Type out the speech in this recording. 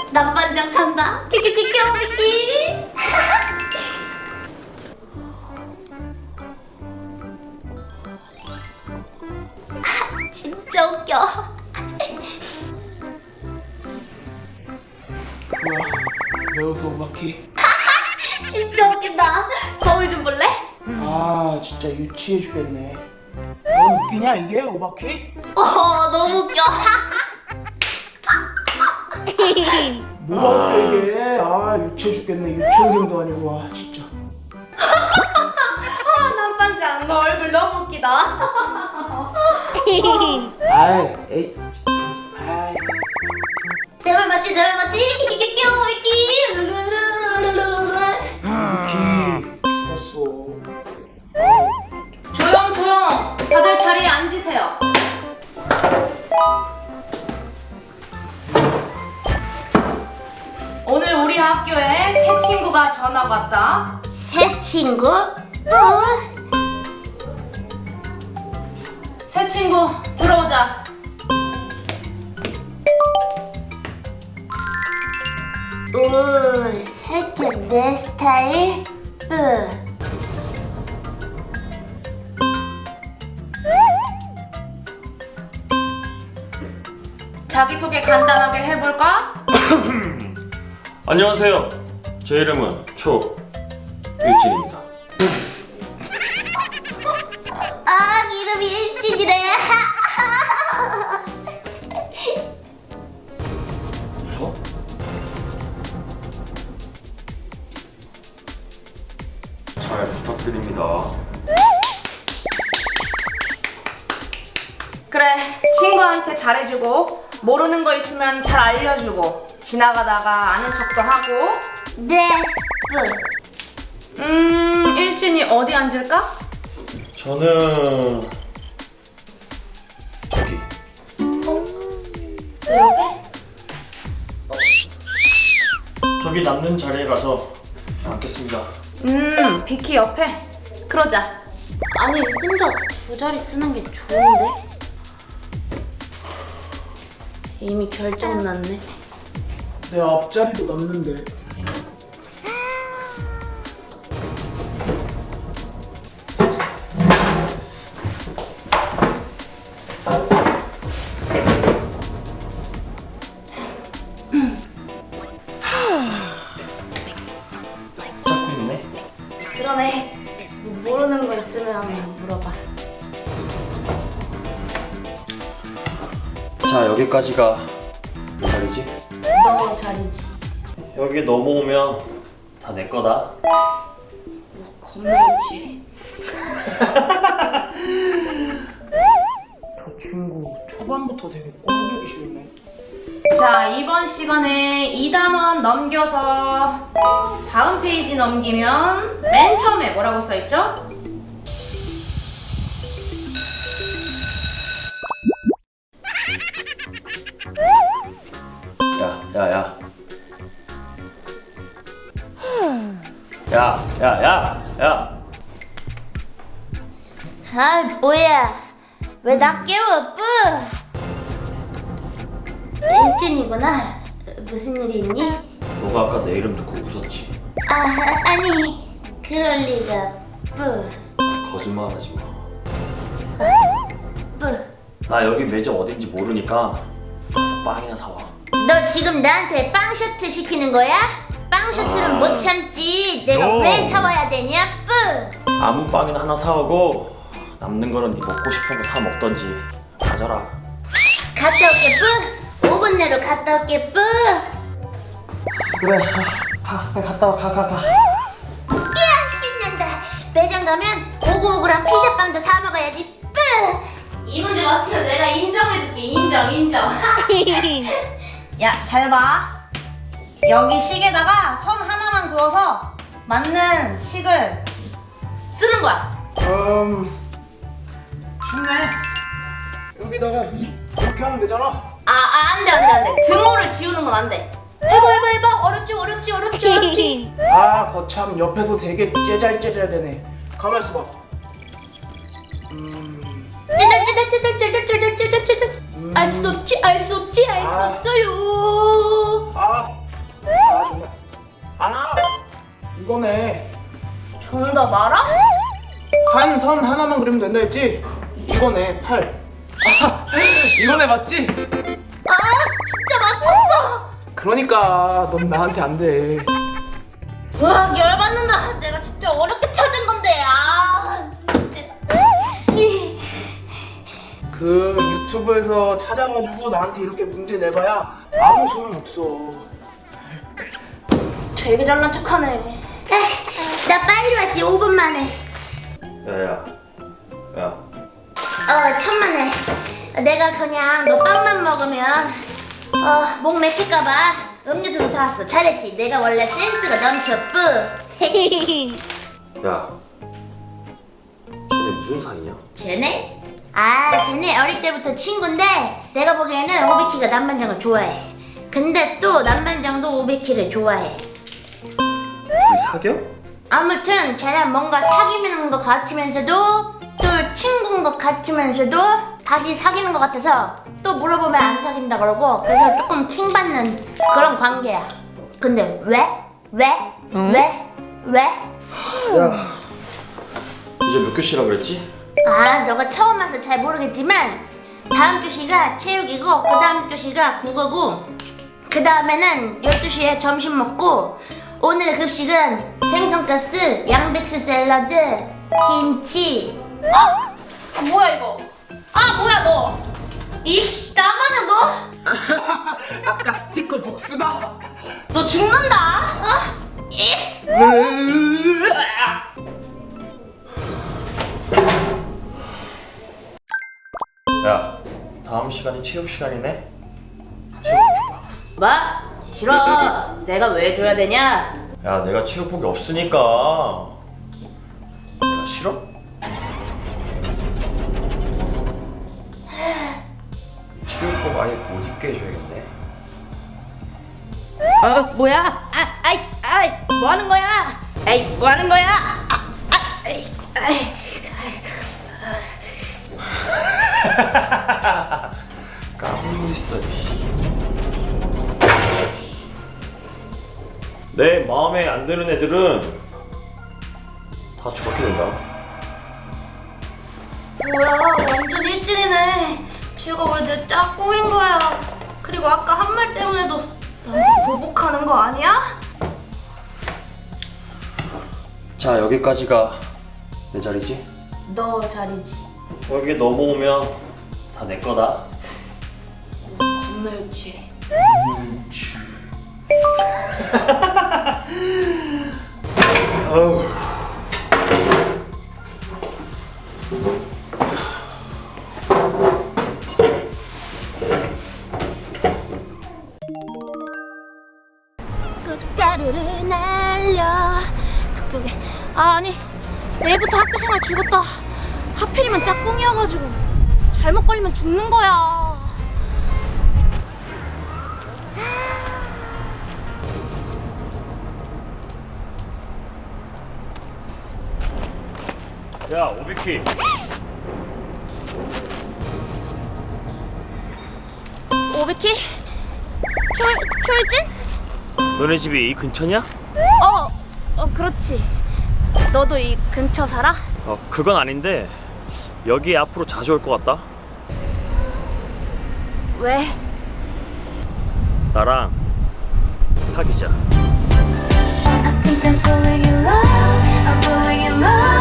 남반장 찬다. 끼끼끼끼끼. 진짜 웃겨. 뭐야? 왜 웃어 오바키? 진짜 웃긴다. 거울 좀 볼래? 아 진짜 유치해 주겠네. 넌 웃기냐 이게 오바키? 너무 웃겨. 뭐가 웃겨 이게? 아 유치해 죽겠네. 유치원생도 아니고 와 진짜. 남반장 너 얼굴 너무 웃기다. 아이 에이 진짜. 아이. 내 말 맞지? 내 말 맞지? 끼끼끼끼. 오바키 죽었어. 조용 조용. 다들 자리에 앉으세요. 오늘 우리 학교에 새 친구가 전학 왔다. 새 친구? 새 친구 들어오자. 살짝 내 스타일? 자기소개 간단하게 해볼까? 안녕하세요. 제 이름은 초일진입니다. 이름이 일진이래. 잘 부탁드립니다. 그래, 친구한테 잘해주고 모르는 거 있으면 잘 알려주고 지나가다가 아는 척도 하고. 네. 일진이 어디 앉을까? 저는 저기. 저기 남는 자리에 가서 앉겠습니다. 비키 옆에. 그러자. 아니 혼자 두 자리 쓰는 게 좋은데? 이미 결정 났네. 내 앞자리도 남는데. 잡고 있네. 그러네. 모르는 거 있으면 물어봐. 자, 여기까지가 몇 자리지? 너 자리지. 여기 넘어오면 다 내 거다. 겁나 있지. 저 친구 초반부터 되게 꼴보기 싫네. 자, 이번 시간에 2단원 넘겨서 다음 페이지 넘기면 맨 처음에 뭐라고 써있죠? 야. 야. 뭐야? 왜 나 깨워? 일진이구나. 무슨 일이 있니? 너가 아까 내 이름 듣고 웃었지? 아니 그럴 리가. 거짓말하지 마. 나 여기 매점 어딘지 모르니까 가서 빵이나 사와. 너 지금 나한테 빵 셔틀 시키는 거야? 빵 셔틀은 못 참지. 내가 왜 사와야 되냐? 아무 빵이나 하나 사오고 남는 거는 네 먹고 싶은 거 사 먹던지 가져라. 갔다 올게. 5분 내로 갔다 올게. 그래, 빨리 갔다 와. 이야 신난다. 매장 가면 오구오구랑 피자빵도 사 먹어야지. 이 문제 맞히면 내가 인정해줄게. 인정. 야, 잘 봐. 여기 식에다가 선 하나만 그어서 맞는 식을 쓰는 거야. 쉽네. 여기다가 이렇게 하면 되잖아. 안 돼. 등호를 지우는 건 안 돼. 해봐. 어렵지. 아 거참 옆에서 되게 째잘째잘되네. 가만 있어봐. 알 수 없지. 아. 없어요. 아 아, 이거네. 정답 알아? 한 선 하나만 그리면 된다 했지? 이거네, 8. 아, 이거네, 맞지? 아 진짜 맞췄어. 그러니까 넌 나한테 안 돼. 와 열받는다. 내가 진짜 어렵게 찾은 건데. 아 진짜. 그 유튜브에서 찾아가지고 나한테 이렇게 문제 내봐야 아무 소용없어. 되게 잘난 척하네. 나 빨리 왔지 5분 만에. 야야 야 천만에. 내가 그냥 너 빵만 먹으면 목 맥힐까봐 음료수도 사왔어. 잘했지. 내가 원래 센스가 넘쳐 뿌. 야, 쟤네 무슨 사이냐? 쟤네? 쟤네 어릴 때부터 친구인데 내가 보기에는 오비키가 남반장을 좋아해. 근데 또 남반장도 오비키를 좋아해. 둘이 사겨? 아무튼 쟤는 뭔가 사귀는 것 같으면서도 또 친구인 것 같으면서도 다시 사귀는 것 같아서 또 물어보면 안 사귄다 그러고, 그래서 조금 킹받는 그런 관계야. 근데 왜? 야, 이제 몇 교시라 그랬지? 너가 처음 와서 잘 모르겠지만 다음 교시가 체육이고 그 다음 교시가 국어고 그 다음에는 12시에 점심 먹고 오늘 급식은 생선가스, 양배추 샐러드, 김치. 뭐야 이거? 뭐야 너? 이씨 나만아 너? 아까 스티커 복수다. 너 죽는다. 야, 다음 시간이 체육 시간이네? 체육 줘봐. 뭐? 싫어. 내가 왜 줘야 되냐? 야, 내가 체육복이 없으니까. 내가 싫어? 체육복 아예 못 입게 해줘야겠네. 뭐야? 뭐 하는 거야? 뭐 하는 거야? 까불고 있어. 내 마음에 안 드는 애들은 다 저렇게 된다. 뭐야, 완전 일진이네. 쟤가 왜 내 짝꿍인 거야? 그리고 아까 한 말 때문에도 나한테 보복하는 거 아니야? 자, 여기까지가 내 자리지? 너 자리지. 여기 넘어오면 다 내 거다. 겁나 유치해. 어우. 꽃가루를 날려 그게 아니 내일부터 학교 생활 죽었다. 하필이면 짝꿍이어가지고 잘못 걸리면 죽는 거야. 야, 오비키. 오비키? 초일진? 너네 집이 이 근처냐? 그렇지. 너도 이 근처 살아? 그건 아닌데 여기 앞으로 자주 올 것 같다. 왜? 나랑 사귀자. I think I'm falling in love. I'm falling in love.